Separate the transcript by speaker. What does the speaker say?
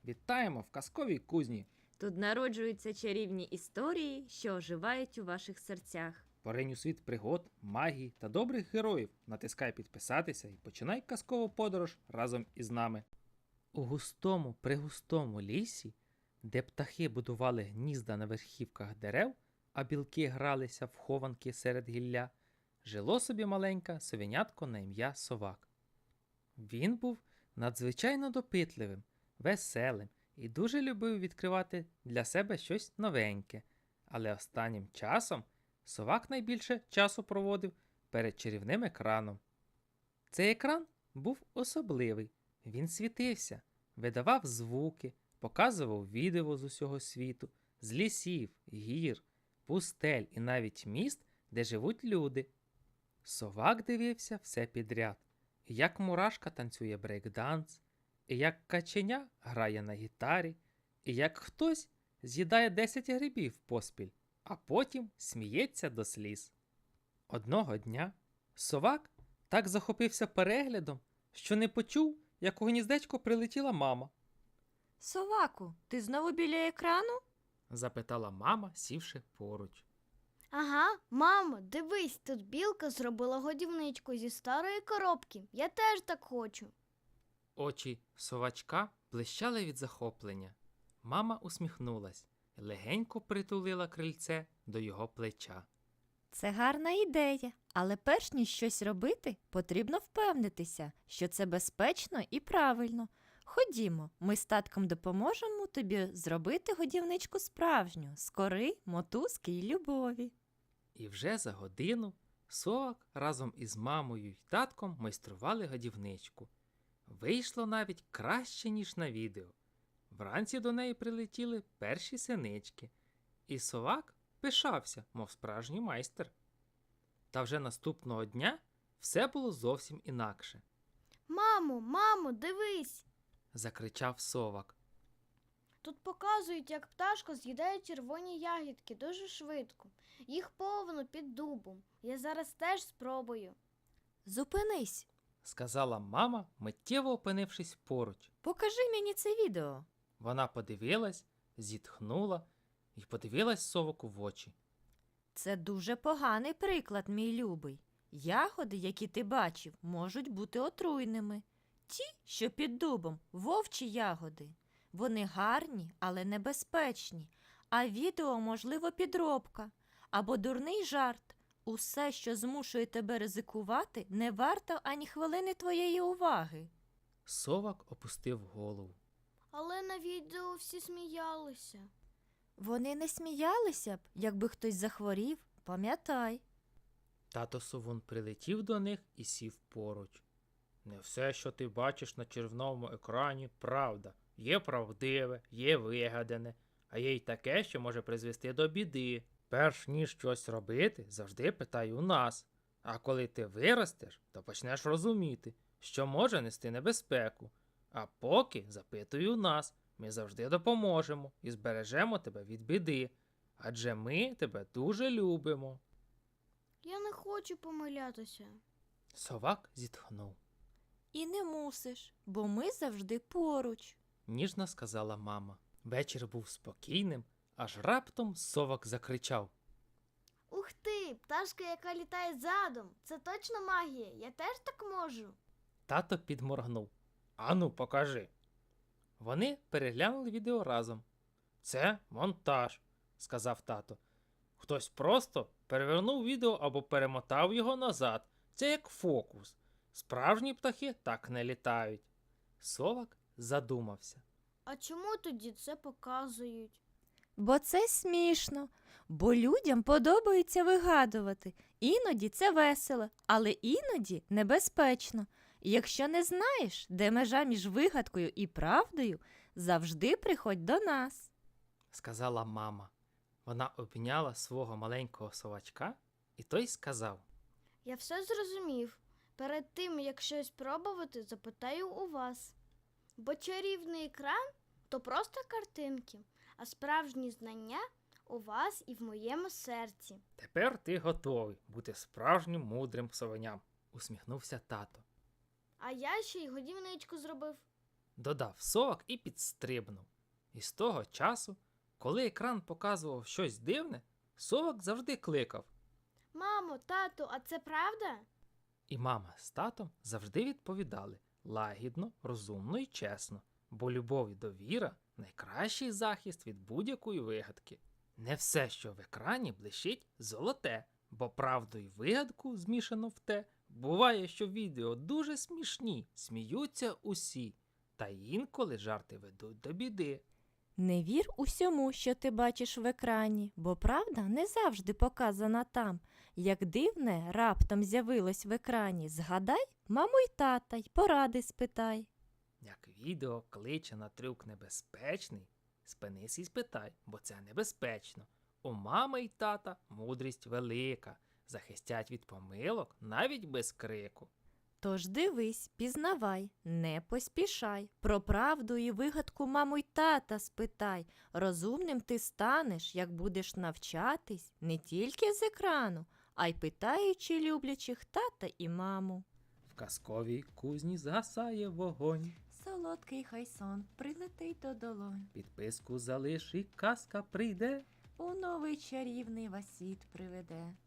Speaker 1: Вітаємо в казковій кузні!
Speaker 2: Тут народжуються чарівні історії, що оживають у ваших серцях.
Speaker 1: Поринь у світ пригод, магії та добрих героїв. Натискай підписатися і починай казкову подорож разом із нами. У густому, пригустому лісі, де птахи будували гнізда на верхівках дерев, а білки гралися в хованки серед гілля, жило собі маленьке совенятко на ім'я Совак. Він був надзвичайно допитливим, веселим і дуже любив відкривати для себе щось новеньке. Але останнім часом Совак найбільше часу проводив перед чарівним екраном. Цей екран був особливий. Він світився, видавав звуки, показував відео з усього світу, з лісів, гір, пустель і навіть міст, де живуть люди. Совак дивився все підряд. І як мурашка танцює брейкданс, і як каченя грає на гітарі, і як хтось з'їдає 10 грибів поспіль, а потім сміється до сліз. Одного дня Совак так захопився переглядом, що не почув, як у гніздечко прилетіла мама.
Speaker 2: Соваку, ти знову біля екрану?
Speaker 1: Запитала мама, сівши поруч.
Speaker 3: Ага, мамо, дивись, тут білка зробила годівничку зі старої коробки. Я теж так хочу.
Speaker 1: Очі совачка блищали від захоплення. Мама усміхнулась і легенько притулила крильце до його плеча.
Speaker 4: Це гарна ідея, але перш ніж щось робити, потрібно впевнитися, що це безпечно і правильно. Ходімо, ми з татком допоможемо тобі зробити годівничку справжню, з кори, мотузки й любові.
Speaker 1: І вже за годину Совак разом із мамою й татком майстрували годівничку. Вийшло навіть краще, ніж на відео. Вранці до неї прилетіли перші синички, і Совак пишався, мов справжній майстер. Та вже наступного дня все було зовсім інакше.
Speaker 3: Мамо, дивись.
Speaker 1: Закричав Совак.
Speaker 3: Тут показують, як пташка з'їдає червоні ягідки дуже швидко. Їх повно під дубом. Я зараз теж спробую.
Speaker 4: Зупинись,
Speaker 1: Сказала мама, миттєво опинившись поруч.
Speaker 4: покажи мені це відео.
Speaker 1: Вона подивилась, зітхнула і подивилась Соваку в очі.
Speaker 4: Це дуже поганий приклад, мій любий. Ягоди, які ти бачив, можуть бути отруйними. Ті, що під дубом, вовчі ягоди. Вони гарні, але небезпечні. А відео, можливо, підробка або дурний жарт. Усе, що змушує тебе ризикувати, не варто ані хвилини твоєї уваги.
Speaker 1: Совак опустив голову.
Speaker 3: Але на відео всі сміялися.
Speaker 4: Вони не сміялися б, якби хтось захворів, пам'ятай.
Speaker 1: Тато Совун прилетів до них і сів поруч. Не все, що ти бачиш на червоному екрані, правда. Є правдиве, є вигадане, а є й таке, що може призвести до біди. Перш ніж щось робити, завжди питай у нас. А коли ти виростеш, то почнеш розуміти, що може нести небезпеку. А поки запитуй у нас, ми завжди допоможемо і збережемо тебе від біди. Адже ми тебе дуже любимо.
Speaker 3: Я не хочу помилятися.
Speaker 1: Совак зітхнув.
Speaker 4: І не мусиш, бо ми завжди поруч.
Speaker 1: Ніжно сказала мама. Вечір був спокійним, аж раптом Совак закричав.
Speaker 3: Ух ти, пташка, яка літає задом. Це точно магія. Я теж так можу.
Speaker 1: Тато підморгнув. Ану, покажи. Вони переглянули відео разом. Це монтаж, сказав тато. Хтось просто перевернув відео або перемотав його назад. Це як фокус. Справжні птахи так не літають. Совак задумався.
Speaker 3: А чому тоді це показують?
Speaker 4: Бо це смішно, бо людям подобається вигадувати. Іноді це весело, але іноді небезпечно. І якщо не знаєш, де межа між вигадкою і правдою, завжди приходь до нас.
Speaker 1: Сказала мама. Вона обняла свого маленького совачка, і той сказав.
Speaker 3: Я все зрозумів. Перед тим, як щось пробувати, запитаю у вас. Бо чарівний екран – то просто картинки, а справжні знання у вас і в моєму серці.
Speaker 1: Тепер ти готовий бути справжнім мудрим совеням, усміхнувся тато.
Speaker 3: А я ще й годівничку зробив.
Speaker 1: додав совок і підстрибнув. І з того часу, коли екран показував щось дивне, совок завжди кликав.
Speaker 3: Мамо, тату, а це правда?
Speaker 1: І мама з татом завжди відповідали лагідно, розумно і чесно, бо любов і довіра – найкращий захист від будь-якої вигадки. Не все, що в екрані, блищить золоте, бо правду і вигадку змішано в те. Буває, що відео дуже смішні, сміються усі, та інколи жарти ведуть до біди.
Speaker 4: Не вір усьому, що ти бачиш в екрані, бо правда не завжди показана там. Як дивне раптом з'явилось в екрані, згадай маму й тата й поради спитай.
Speaker 1: Як відео кличе на трюк небезпечний, спинись і спитай, бо це небезпечно. У мами й тата мудрість велика, захистять від помилок навіть без крику.
Speaker 4: Тож дивись, пізнавай, не поспішай. Про правду і вигадку маму й тата спитай. Розумним ти станеш, як будеш навчатись не тільки з екрану, а й питаючи люблячих тата і маму.
Speaker 1: В казковій кузні згасає вогонь.
Speaker 4: Солодкий хай сон прилетить до долонь,
Speaker 1: Підписку залиш і казка прийде.
Speaker 4: у новий чарівний вас світ приведе.